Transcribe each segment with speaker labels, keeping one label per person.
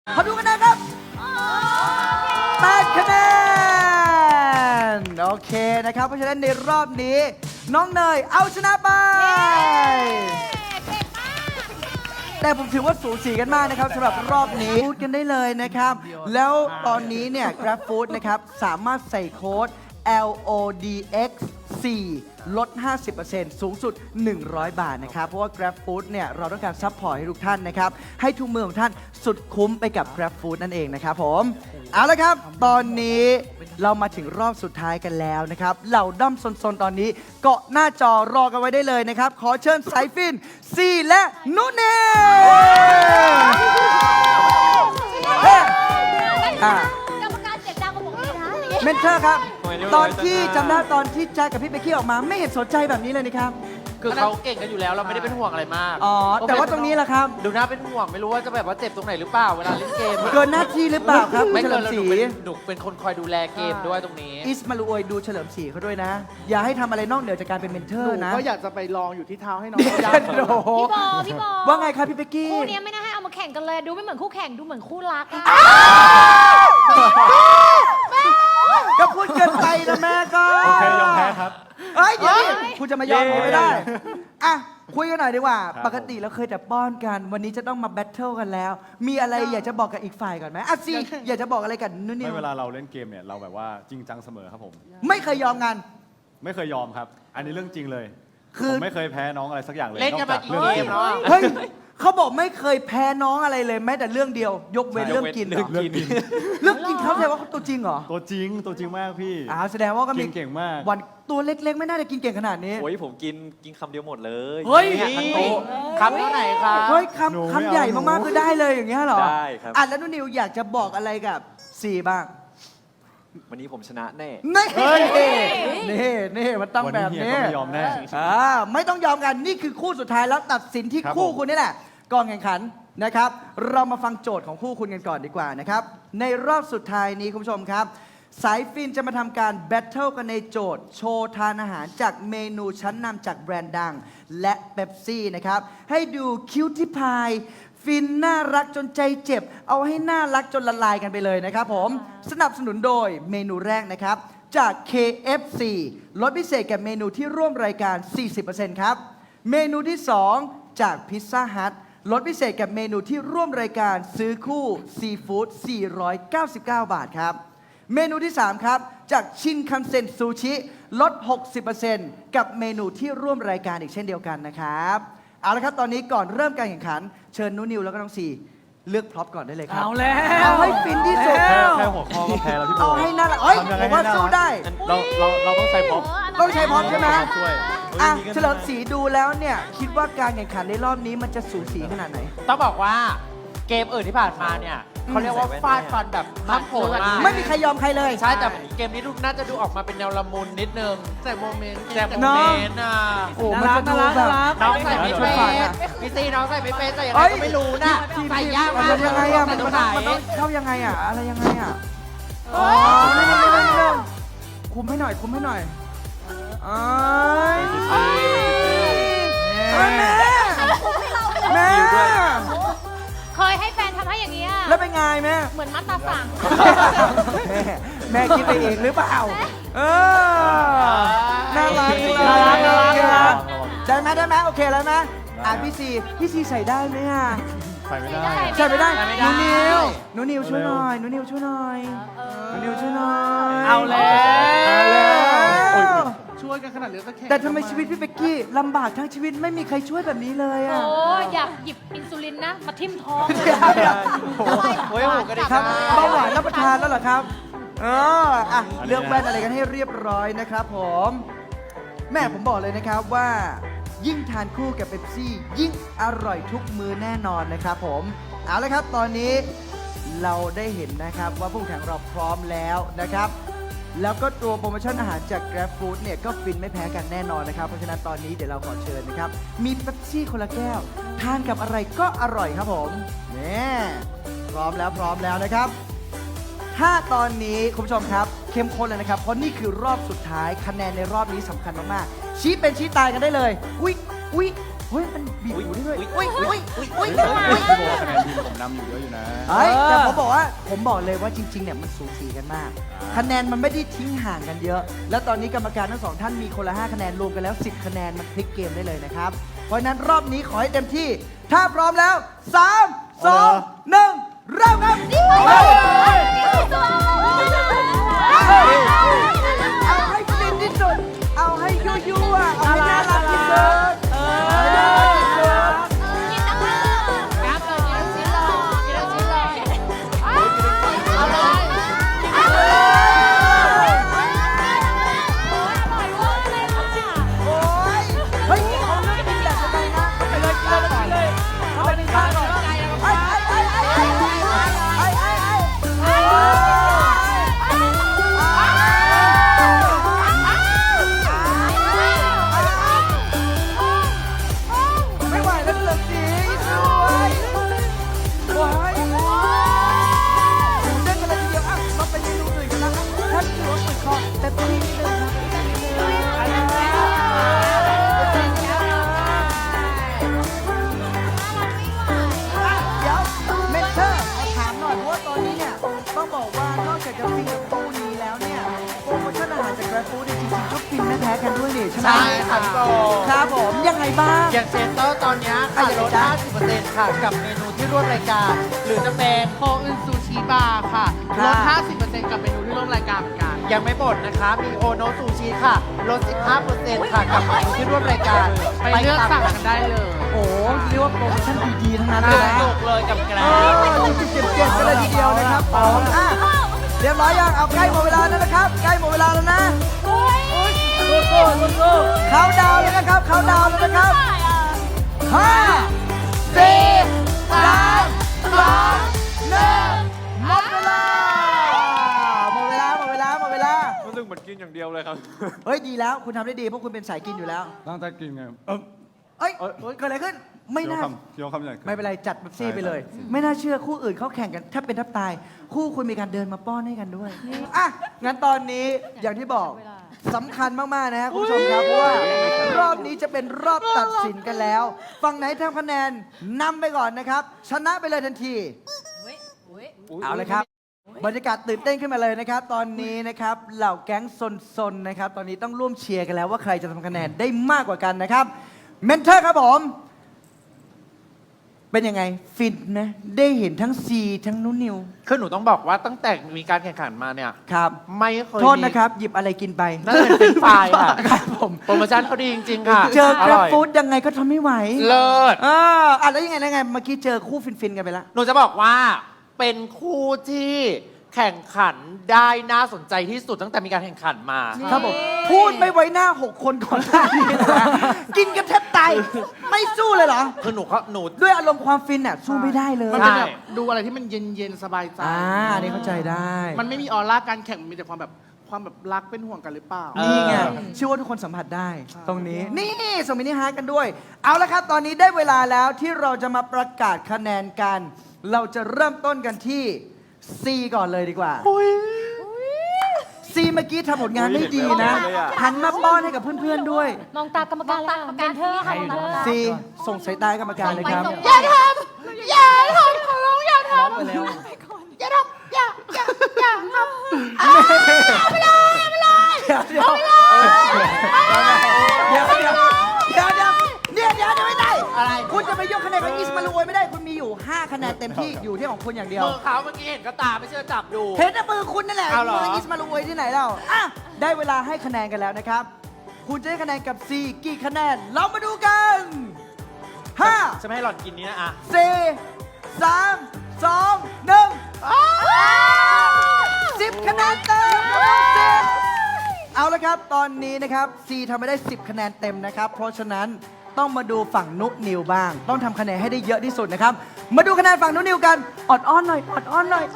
Speaker 1: ขอดูคะแนนครับ8คะแนนโอเคนะครับเพราะฉะนั้นในรอบนี้น้องเนยเอาชนะไป แต่ผมถือว่าสูสีกันมากนะครับสำหรับรอบนี้พูดกันได้เลยนะครับ แล้วตอนนี้เนี่ย Grab Food นะครับสามารถใส่โค้ด LODX 4 ลด 50% สูงสุด 100 บาทนะครับ เพราะว่า Grab Food เนี่ยเราต้องการซัพพอร์ตให้ทุกท่านนะครับ ให้ทุกมือของท่านสุดคุ้มไปกับ Grab Food นั่นเองนะครับผม เอาละครับ ตอนนี้เรามาถึงรอบสุดท้ายกันแล้วนะครับ เหล่าด้อมซนๆ ตอนนี้เกาะหน้าจอรอกันไว้ได้เลยนะครับ ขอเชิญสายฟินซีและนุเน
Speaker 2: กรรมการเสียงดังกว่าผมอีกนะ
Speaker 1: เมนเทอร์ครับ ตอนที่จำได้ตอนที่แจ็คกับพี่เบคกี้ออกมาไม่เห็นสนใจแบบนี้เลยนะครับ
Speaker 3: คือเขาเก่งกันอยู่แล้วเราไม่ได้เป็นห่วงอะไรมาก
Speaker 1: อ๋อ แต่ว่าตรงนี้แหละครับ
Speaker 3: ดูน่าเป็นห่วงไม่รู้ว่าจะแบบว่าเจ็บตรงไหนหรือเปล่าเวลาเล่นเกม
Speaker 1: เกินหน้าที่หรือเปล่าครับ
Speaker 3: ไม่
Speaker 1: เฉ
Speaker 3: เกิ
Speaker 1: ลิ
Speaker 3: น
Speaker 1: ม
Speaker 3: แล้ว
Speaker 1: ศ
Speaker 3: ห
Speaker 1: รี
Speaker 3: นูเป็นคนคอยดูแลเกมด้วยตรงนี้
Speaker 1: อิสมาลูอวยดูเฉลิมศรีเขาด้วยนะ อย่าให้ทำอะไรนอกเหนือจากการเป็นเมนเทอ
Speaker 4: หนู
Speaker 1: ร์นะ
Speaker 4: ก็อยากจะไปลองอยู่ที่เท้าให้น้อง
Speaker 1: เดี๋ยว
Speaker 4: ได้
Speaker 1: โอ้โห
Speaker 2: พี่บอ
Speaker 1: ว่าไงครับพี่เบกกี้
Speaker 2: คู่เนี้ยไม่น่าให้เอามาแข่งกันเลย ดูไม่เหมือนคู่แข่ง ดูเหมือนคู่รักอะ
Speaker 1: ก็พูดเกินไปนะแม่ก็
Speaker 5: โอเคยอมแพ้ครับ
Speaker 1: เอ้ยเดี๋ยวดิคุณจะมายอมอย่างนี้ไม่ได้
Speaker 5: เย้
Speaker 1: อ่ะคุยกันหน่อยดีกว่า
Speaker 5: ครับ
Speaker 1: ปกติเราเคยแต่ป้อนกัน วันนี้จะต้องมาแบทเทิลกันแล้ว มีอะไรอยากจะบอกกับอีกฝ่ายก่อนไหมอ่ะซีอยากจะบอกอะไรกันนุ่นนิ
Speaker 5: ไม่
Speaker 1: ว
Speaker 5: เวลาเราเล่นเกมเนี่ยเราแบบว่าจริงจังเสมอครับผม
Speaker 1: ไม่เคยยอมกัน
Speaker 5: ไม่เคยยอมครับ อันนี้เรื่องจริงเลย
Speaker 1: คือ
Speaker 5: ผมไม่เคยแพ้น้องอะไรสักอย่างเลย
Speaker 3: เล่นกันมากี่
Speaker 5: อง
Speaker 3: เกมแล้วอะ
Speaker 1: เฮ้ยเขาบอกไม่เคยแพ้น้องอะไรเลยแม้แต่เรื่องเดียว ยกเว้นเรื่องกินเหรอ
Speaker 5: เรื่องกิน
Speaker 1: เรื่องกินเขาแสดงว่าเขาตัวจริงเหรอ
Speaker 5: ตัวจริงมากพี่
Speaker 1: แสดงว่าก็มี
Speaker 5: เก่งมาก
Speaker 1: วันตัวเล็กๆ ไม่น่าจะกินเก่งขนาดนี้
Speaker 6: โอ้ยผมกินคำเดียวหมดเลย
Speaker 1: เฮ้ย
Speaker 6: นี่ทั้งโต๊ะ
Speaker 3: คำเท่าไหนครับ
Speaker 1: เฮ้ย
Speaker 5: หนู
Speaker 1: คำ
Speaker 5: ไม่เอา
Speaker 1: ใหญ่มากๆคือได้เลยอย่างเงี้ยเหรอ
Speaker 6: ได้ครับ
Speaker 1: แล้วนุ่นนิวอยากจะบอกอะไรกับซีบ้าง
Speaker 6: วันนี้ผมชนะแน่
Speaker 1: นี่มันต้อง
Speaker 5: วัน
Speaker 1: แบ
Speaker 5: นี้
Speaker 1: บ
Speaker 5: เฮีย
Speaker 1: นี้
Speaker 5: ก็ไม่ยอมแน่
Speaker 1: ไม่ต้องยอมกันนี่คือคู่สุดท้ายแล้วตัดสินที่
Speaker 5: ครับ
Speaker 1: คู่
Speaker 5: ผม
Speaker 1: คุณนี่แหละก่อนแข่งขันนะครับ เรามาฟังโจทย์ของคู่คุณกันก่อนดีกว่านะครับ ในรอบสุดท้ายนี้คุณผู้ชมครับ สายฟินจะมาทำการแบทเทิลกันในโจทย์ โชว์ทานอาหารจากเมนูชั้นนำจากแบรนด์ดัง และเบปซี่นะครับ ให้ดูคิวที่พายฟินน่ารักจนใจเจ็บ เอาให้น่ารักจนละลายกันไปเลยนะครับผม สนับสนุนโดยเมนูแรกนะครับ จาก KFC ลดพิเศษกับเมนูที่ร่วมรายการ 40% ครับ เมนูที่ 2 จากพิซซ่าฮัทลดพิเศษกับเมนูที่ร่วมรายการซื้อคู่ซีฟู้ด499 บาทครับ เมนูที่ 3 ครับ จากชินคันเซ็นซูชิลด 60% กับเมนูที่ร่วมรายการอีกเช่นเดียวกันนะครับเอาละครับตอนนี้ก่อนเริ่มการแข่งขัน เชิญนุนิวแล้วก็น้องซีเลือกพร็อพก่อนได้เลยครับ
Speaker 4: เอาแล้ว
Speaker 1: เอาให้ฟินที่สุด
Speaker 5: แค่หัวข้อก็แพ้แล้วพี่โบ
Speaker 1: เอาให้น่ารักเอ้ย
Speaker 5: ทำยัง
Speaker 1: ผ
Speaker 5: ไง
Speaker 1: มว่า
Speaker 5: ให้น่
Speaker 1: สู้
Speaker 5: รัก
Speaker 1: ได้
Speaker 5: เราต้องใช้พ็อป
Speaker 1: ต้องใช้พร็อพใช่ไหม
Speaker 5: ช่วย
Speaker 1: อ่ะเฉลิมศรีดูแล้วเนี่ย คิดว่าการแข่งขันในรอบนี้มันจะสูสีขนาดไหน
Speaker 3: ต้องบอกว่าเกมอื่นที่ผ่านมาเนี่ยเขาเรียกว่าฟาดฟันแบบข้ามโผล่มาก
Speaker 1: ไม่มีใครยอมใครเลย
Speaker 3: ใช่แต่เกมนี้ดูน่าจะดูออกมาเป็นแนวละมุนนิดนึง
Speaker 4: แต่โมเมนต์
Speaker 3: แต่โม
Speaker 1: เนอะ
Speaker 3: เมนต์อ่ะ
Speaker 1: โอ้มันจะดูแบบ
Speaker 3: น้องใส่ไม่
Speaker 1: ช่วย
Speaker 3: เป็
Speaker 1: ฟัง
Speaker 3: น
Speaker 1: อะ
Speaker 3: พี่ซีน้องใส่ไม่เป็นแต่ยัง
Speaker 1: เอ้
Speaker 3: ไง
Speaker 1: ย
Speaker 3: ก็ไม่รู้นะใส่ยาก
Speaker 1: มั
Speaker 3: มาน ก
Speaker 1: ยังไงอ่ะ
Speaker 3: ใส่
Speaker 1: มัน
Speaker 3: ตรง
Speaker 1: ต้
Speaker 3: ไหน
Speaker 1: องเข้ายังไงอ่ะ อะไรยังไงอ่ะอ๋อนี่คุมให้หน่อยคุมให้หน่อยเอ้ยแม่แม่
Speaker 2: เคยให้แฟนทำให้อย่างเงี้ย
Speaker 1: แล้วเป็นไงแม่
Speaker 2: เหมือนมัดตาสั่ง
Speaker 1: แม่คิดไปเองหรือเปล่า เออน่ารัก
Speaker 3: น่ารักน่ารักน่ารัก
Speaker 1: ได้ไหมโอเคแล้วไหมพี่ซีใส่ได้ไหมอ่ะ
Speaker 5: ใส่ไม่ได้
Speaker 1: ใส่ไม่ได้
Speaker 3: ใส่ไม่
Speaker 1: ห
Speaker 3: ได้
Speaker 1: นูนิวช่วยหน่อยหนูนิวช่วยหน่อยหนูนิวช่วยหน่อย
Speaker 3: เอาแล้ว
Speaker 1: เอาแล้ว
Speaker 4: ช่วยกันขนาดเหลือก็แข่ง
Speaker 1: แต่ทำไมชีวิตพี่เบกกี้ลำบากทั้งชีวิตไม่มีใครช่วยแบบนี้เลยอ่ะ
Speaker 2: โอ้อยากหยิบอินซูลินนะ มาทิ่มท้อง
Speaker 3: โอ้ยโหกระดิก
Speaker 1: ครับ
Speaker 3: ได้
Speaker 1: เบาหวานรับประทานแล้วเหรอครับเลือกแว่นอะไรกันให้เรียบร้อยนะครับผมแม่ผมบอกเลยนะครับว่า ยิ่งทานคู่กับเป๊ปซี่ยิ่งอร่อยทุกมื้อแน่นอนนะครับผมเอาละครับตอนนี้เราได้เห็นนะครับว่าผู้แข่งเราพร้อมแล้วนะครับ แล้วก็ตัวโปรโมชั่นอาหารจาก Grab Food เนี่ยก็ฟินไม่แพ้กันแน่นอนนะครับเพราะฉะนั้นตอนนี้เดี๋ยวเราขอเชิญนะครับมีเป๊ปซี่คนละแก้วทานกับอะไรก็อร่อยครับผมนี่พร้อมแล้วนะครับ ถ้าตอนนี้คุณผู้ชมครับเข้มข้นเลยนะครับเพราะนี่คือรอบสุดท้ายคะแนนในรอบนี้สำคัญมากๆชี้เป็นชี้ตายกันได้เลยอุ๊ยเฮ้ยมันบีบหูได้ด้วย
Speaker 6: อุ้ยอุ้ยอุ้ย
Speaker 5: พี่บอกว่าคะแนนทีมผมนำอยู่เยอะอยู่นะ
Speaker 1: เฮ้ยแต่ผมบอกเลยว่าจริงๆเนี่ยมันสูสีกันมาก คะแนนมันไม่ได้ทิ้งห่างกันเยอะ แล้วตอนนี้กรรมการทั้งสองท่านมีคนละ5คะแนนรวมกันแล้ว10คะแนนมันพลิกเกมได้เลยนะครับ เพราะฉะนั้นรอบนี้ขอให้เต็มที่ ถ้าพร้อมแล้ว 3 2 1 เริ่มครับเอาให้ฟินที่สุด เอาให้ยั่วๆเอาให้น่ารักที่สุดเอาให้น่ารักที่สุด
Speaker 2: ครับเลยกินชิ้นเลยกินชิ้นเลยเอาเลย
Speaker 1: โอ้ยเฮ้ยเขาเลือกกินแบบยังไงนะไปเลยกินเลยกินเลยเอาไปเป็นข้าวก่อนไอ้ไม่ไหวแล้วเหลือสีสวยโอ้ยเต้นกันเลยทีเดียวอ่ะมาเป็นเมนูอื่นกันนะครับท่านถือว่าเปิดคอแต่ตรงนี้นิดนึงเดี๋ยวเมนเทอร์ขอถามหน่อยเพราะว่าตอนนี้เนี่ยต้องบอกว่านอกจากจะฟินกับตู้นี้แล้วเนี่ยโปรโมชั่นอาหารจาก Grab Food เนี่ยจริงๆก็ฟินไม่แพ้กันด้วยนี่ใช่ไหม
Speaker 3: ใช่ค่ะพี่โบ
Speaker 1: ครับผมยังไงบ้าง
Speaker 3: อย่างเซนเตอร์ตอนเนี้ยค่ะลด 50%ค่ะ กับเมนูที่ร่วมรายการ หรือจะเป็น
Speaker 4: โคอึนซูชิบาร์ค่ะ ลด 50%กับเมนูที่ร่วมรายการเหมือนกัน
Speaker 3: ยังไม่หมดนะคะ มีโอโนซูชิค่ะ ลด 15%ค่ะ กับเมนูที่ร่วมรายการ
Speaker 4: ไปเลือกสั่งกันได้เลย
Speaker 1: โอ้โหเรียกว่าโปรโมชั่นดีๆทั้งนั้น
Speaker 3: ส
Speaker 1: เลยนะ
Speaker 3: นุกเลยกับแกร็
Speaker 1: เจ็บกันเลยทีเดียวนะครับผมอ่ะเรียบร้อยยังเอาใกล้หมดเวลาแล้วนะครับ ใกล้หมดเวลาแล้วนะเขาดาวน์เลยนะครับเขาดาวน์เลยนะครับ5 4 3 2 1หมดเวลาหมดเวลาหมดเวลาหมดเวลา
Speaker 6: รู้สึกเหมือนกินอย่างเดียวเลยครับ
Speaker 1: เฮ้ยดีแล้วคุณทำได้ดีเพราะคุณเป็นสายกินอยู่แล้ว
Speaker 5: ตั้งใจกินไง
Speaker 1: เอ้ยเกิดอะไรขึ้นไม่น่า
Speaker 5: เคี้ยวคำใหญ่
Speaker 1: ไม่เป็นไรจัดเบปซี่ไปเลย
Speaker 5: ใช่
Speaker 1: ไม่น่าเชื่อคู่อื่นเขาแข่งกันถ้าเป็นทับตาย คู่คุณมีการเดินมาป้อนให้กันด้วยอ่ะงั้นตอนนี้อย่างที่บอกสำคัญมาก ๆ นะฮะคุณผู้ชมครับเพราะว่ารอบนี้จะเป็นรอบตัดสินกันแล้ว ฝั่งไหนทำคะแนนนำไปก่อนนะครับ ชนะไปเลยทันที เอาเลยครับ บรรยากาศตื่นเต้นขึ้นมาเลยนะครับ ตอนนี้นะครับเหล่าแก๊งซนๆนะครับ ตอนนี้ต้องร่วมเชียร์กันแล้วว่าใครจะทำคะแนนได้มากกว่ากันนะครับเมนเทอร์ครับผม เป็นยังไงฟินนะได้เห็นทั้งซีทั้งนุ้นนิว
Speaker 3: คือหนูต้องบอกว่าตั้งแต่มีการแข่งขันมาเนี่ย
Speaker 1: ครับ
Speaker 3: ไม่เคย
Speaker 1: โทษนะครับ หยิบอะไรกินไป
Speaker 3: นั่นเป็นไฟล์ค่ะ
Speaker 1: ครับผม
Speaker 3: โปรโมชั่นเขาดีจริง ๆ ค่ะ
Speaker 1: เจอ
Speaker 3: อ
Speaker 1: แกร็บ
Speaker 3: ร่อย
Speaker 1: ฟู้ดยังไงก็ทนไม่ไหว
Speaker 3: เลิศ
Speaker 1: แล้วยังไงเมื่อกี้เจอคู่ฟินๆกันไปแล้ว
Speaker 3: หนูจะบอกว่าเป็นคู่ที่แข่งขันได้น่าสนใจที่สุดตั้งแต่มีการแข่งขันมา
Speaker 1: ครับผมพูดไม่ไว้หน้า 6 คนก่อนหน้านี้นะกินกันแทบตายไม่สู้เลยเหรอ
Speaker 3: คือหนู
Speaker 1: ด้วยอารมณ์ความฟินอ่ะสู้ไม่ได้เลย
Speaker 4: มันเป็นแบบดูอะไรที่มันเย็นๆ สบายใจ
Speaker 1: อันนี้เข้าใจได้
Speaker 4: มันไม่มีออร่าการแข่งมันมีแต่ความแบบรักเป็นห่วงกันหรือเปล่า
Speaker 1: นี่ไงเชื่อว่าทุกคนสัมผัสได้ ตรงนี้ นี่ส่งมินิฮาร์ทกันด้วย เอาละครับตอนนี้ได้เวลาแล้วที่เราจะมาประกาศคะแนนกัน เราจะเริ่มต้นกันที่ C ก่อนเลยดีกว่า C เมื่อกี้ทำผลงานได้ดีนะ
Speaker 6: เลยอะ
Speaker 1: หันมาป้อนให้กับเพื่อนๆด้วย
Speaker 2: มองตากรรมการเลยค่ะเมนเทอร์ค่ะมองตากรรมการ
Speaker 1: C ส่งสายตากรรมการเลยครับ
Speaker 2: อย่าทำอย่าทำขอร้องอย่าทำ
Speaker 1: ไปแล้ว
Speaker 2: อย่าทำอย่าทำ
Speaker 1: เดี๋ยวไม่ได้
Speaker 3: อะไร
Speaker 1: คุณจะไปยกคะแนนของอิสมาลูโอยไม่ได้ คุณมีอยู่ 5 คะแนนเต็มที่อยู่ที่ของคุณอย่างเดียว
Speaker 3: มือเขาเมื่อกี้เห็นก็ตาไม่เชื่อจับดู
Speaker 1: เห็นแต่มือคุณนั่นแหละ
Speaker 3: เอาเหรอ
Speaker 1: มืออิสมาลูโอยที่ไหนเราอ่ะได้เวลาให้คะแนนกันแล้วนะครับ คุณจะให้คะแนนกับ C กี่คะแนน เรามาดูกัน 5
Speaker 3: จะไม่ให้หล่อนกินนี้นะอ่ะ
Speaker 1: 4 3 2 1 10 คะแนนเต็มเอาละครับ ตอนนี้นะครับ C ทำไปได้ 10 คะแนนเต็มนะครับ เพราะฉะนั้นต้องมาดูฝั่งนุนิวบ้าง ต้องทำคะแนนให้ได้เยอะที่สุดนะครับ มาดูคะแนนฝั่งนุนิวกัน อดอ้อนหน่อย อดอ้อนหน่อย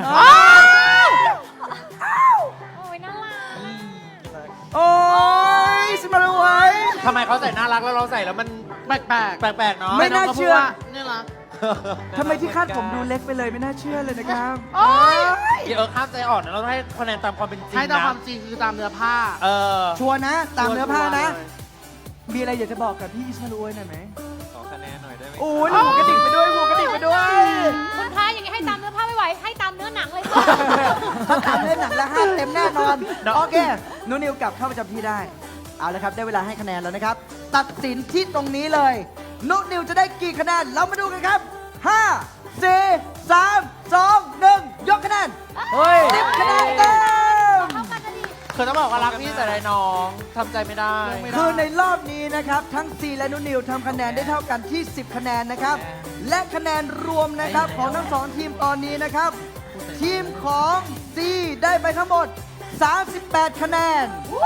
Speaker 2: โอ้ยน่ารัก
Speaker 1: โอ้ยสมาร์ทไว้
Speaker 3: ทำไมเขาใส่น่ารักแล้วเราใส่แล้วมัน
Speaker 4: แปลก
Speaker 3: แปลกๆเนาะ
Speaker 1: ไม่น่าเชื่อ
Speaker 4: นี่รัก
Speaker 1: ทำไมที่คาดผมดูเล็กไปเลยไม่น่าเชื่อเลยนะครับ
Speaker 3: เดี๋ยวข้ามใจอ่อนนะเราต้องให้คะแนนตามความเป็นจริง
Speaker 4: ให้ตาม
Speaker 3: นะ
Speaker 4: ความจริงคือตามเนื้อผ้า
Speaker 3: เออ
Speaker 1: ชัวร์นะ ตามเนื้อผ้านะมีอะไรอยากจะบอกกับพี่อิสมาลูหน่อยไหม
Speaker 6: ขอคะแนนหน่อยได้ไหม
Speaker 1: โอ้ยหูกระดิ่งไปด้วยหูกระดิ่งไปด้วย
Speaker 2: คุณคะอย่างนี้ให้ตามเนื้อผ้าไม่ไหว ให้ตามเนื้อหนังเลยค่ะ
Speaker 1: ถ้าตามเล่นหนังละ5เต็มแน่นอน โอเคนุนิวกลับเข้าประจำที่ได้ เอาละครับ ได้เวลาให้คะแนนแล้วนะครับ ตัดสินที่ตรงนี้เลย นุนิวจะได้กี่คะแนน เรามาดูกันครับ 5 4 3 2 1 ยกคะแนน
Speaker 3: เฮ้ย
Speaker 1: 10 คะแนนเต็ม
Speaker 2: เข้ากันนะดิ
Speaker 3: คือต้องบอกว่ารักพี่แต่ในน้องทำใจไม่ได้
Speaker 1: คือในรอบนี้นะครับ ทั้งซีและนุนิวทำคะแนนได้เท่ากันที่ 10 คะแนนนะครับ และคะแนนรวมนะครับของทั้งสองทีมตอนนี้นะครับ ทีมของซีได้ไปทั้งหมด 38 คะแนน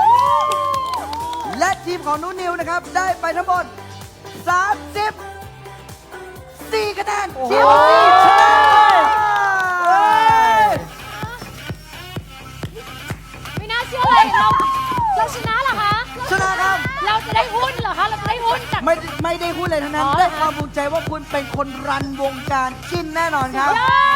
Speaker 1: และทีมของนุนิวนะครับ ได้ไปทั้งหมด 34 คะแนนทีมซีชนะ
Speaker 2: ไม่น่าเชื่อเลยเราชนะเหรอคะ
Speaker 1: ชนะครับ
Speaker 2: เราจะได้หุ้นเหรอคะ เราจะได้หุ้นจาก
Speaker 1: ไม่ได้พูดเลยทั้งนั้น
Speaker 2: อ๋อ
Speaker 1: ได้ความภูมิใจว่าคุณเป็นคนรันวงการจิ้นแน่นอนครับ
Speaker 2: เย้